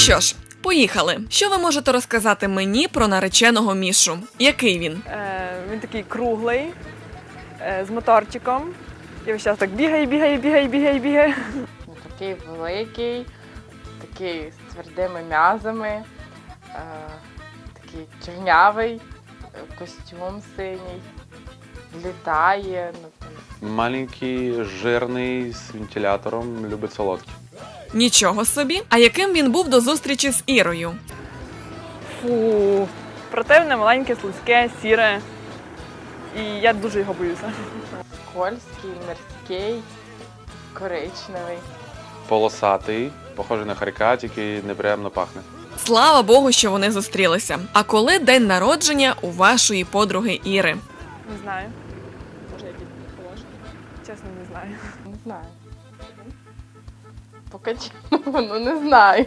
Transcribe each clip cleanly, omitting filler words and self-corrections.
що ж, поїхали. Що ви можете розказати мені про нареченого Мішу? Який він? Він такий круглий, з моторчиком. І весь час так бігає. Такий великий, такий з твердими м'язами, такий чорнявий, костюм синій, літає. Маленький, жирний, з вентилятором, любить солодкі. Нічого собі. А яким він був до зустрічі з Ірою? Фу, противне, маленьке, слизьке, сіре. І я дуже його боюся. Скользький, морський, коричневий. Полосатий, похожий на хорька, тільки неприємно пахне. Слава Богу, що вони зустрілися. А коли день народження у вашої подруги Іри? Не знаю. Може, якісь положення? Чесно, не знаю. Не знаю. Поки чому, не знаю.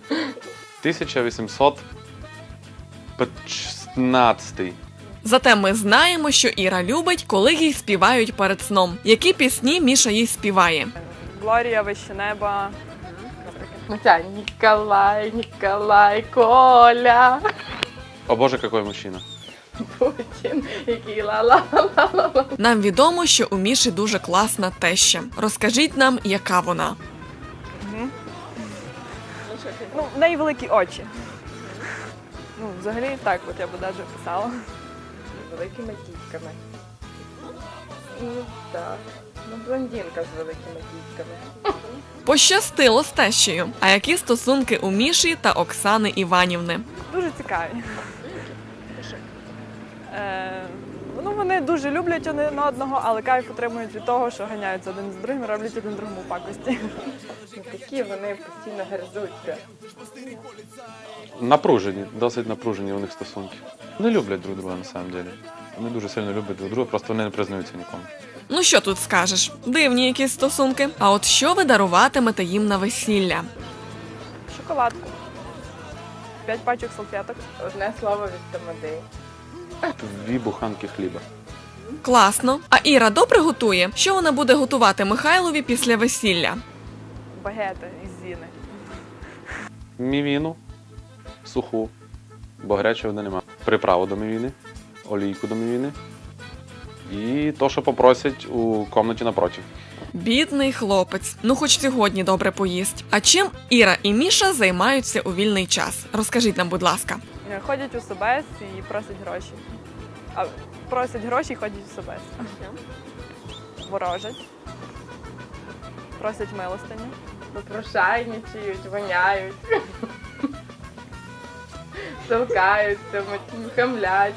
1815. Зате ми знаємо, що Іра любить, коли їй співають перед сном. Які пісні Міша їй співає? Глорія, вище неба. Наприклад. Ну ця Ніколай, Коля. О боже, який мужчина. Путін, який ла-ла-ла-ла-ла. Нам відомо, що у Міші дуже класна теща. Розкажіть нам, яка вона. Ну, в неї великі очі. Ну, взагалі так, от я б навіть писала. Великими дітками. Ну, так. Ну, блондинка з великими дітками. Пощастило з тещею. А які стосунки у Міші та Оксани Іванівни? Дуже цікаві. Ну, вони дуже люблять один одного, але кайф отримують від того, що ганяються один з другим і роблять один другому пакості. Такі вони постійно гризуться. Напружені, досить напружені у них стосунки. Не люблять друг друга, на самом деле. Вони дуже сильно люблять друг друга, просто вони не признаються нікому. Ну що тут скажеш? Дивні якісь стосунки. А от що ви даруватимете їм на весілля? Шоколадку. 5 пачок салфеток. Одне слово від тамади. 2 буханки хліба. Класно. А Іра добре готує? Що вона буде готувати Михайлові після весілля? Багети із зіни. Мівіну, суху, бо гарячої води нема. Приправу до мівіни, олійку до мівіни і то, що попросять у кімнаті напротив. Бідний хлопець. Ну хоч сьогодні добре поїсть. А чим Іра і Міша займаються у вільний час? Розкажіть нам, будь ласка. Ходять у Собес і просять гроші. А просять гроші і ходять у Собес. Ворожать. Просять милостиню. Попрошайничають, воняють. Толкаються, хамлять.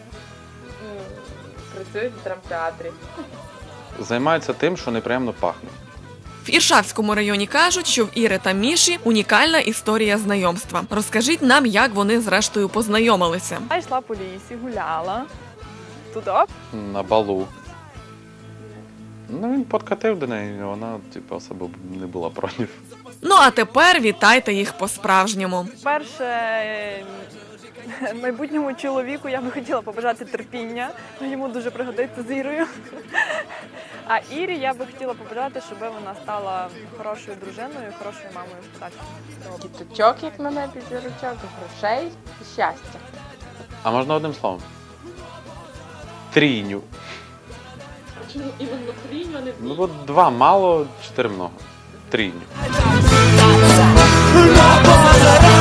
Працюють в драмтеатрі. Займаються тим, що неприємно пахне. В Іршавському районі кажуть, що в Іри та Міші унікальна історія знайомства. Розкажіть нам, як вони зрештою познайомилися. Я йшла по лісі, гуляла. Туди. На балу. Ну, він підкатив до неї, і вона, особо не була проти. Ну а тепер вітайте їх по-справжньому. Перше, майбутньому чоловіку я би хотіла побажати терпіння. Йому дуже пригодиться з Ірою. А Ірі я би хотіла побажати, щоб вона стала хорошою дружиною, хорошою мамою. Так. Діточок, як на небі зірочок, грошей і щастя. А можна одним словом? Трійню. Чому іменно трійню, а не Ну, от 2 мало, 4 много. Трійню. La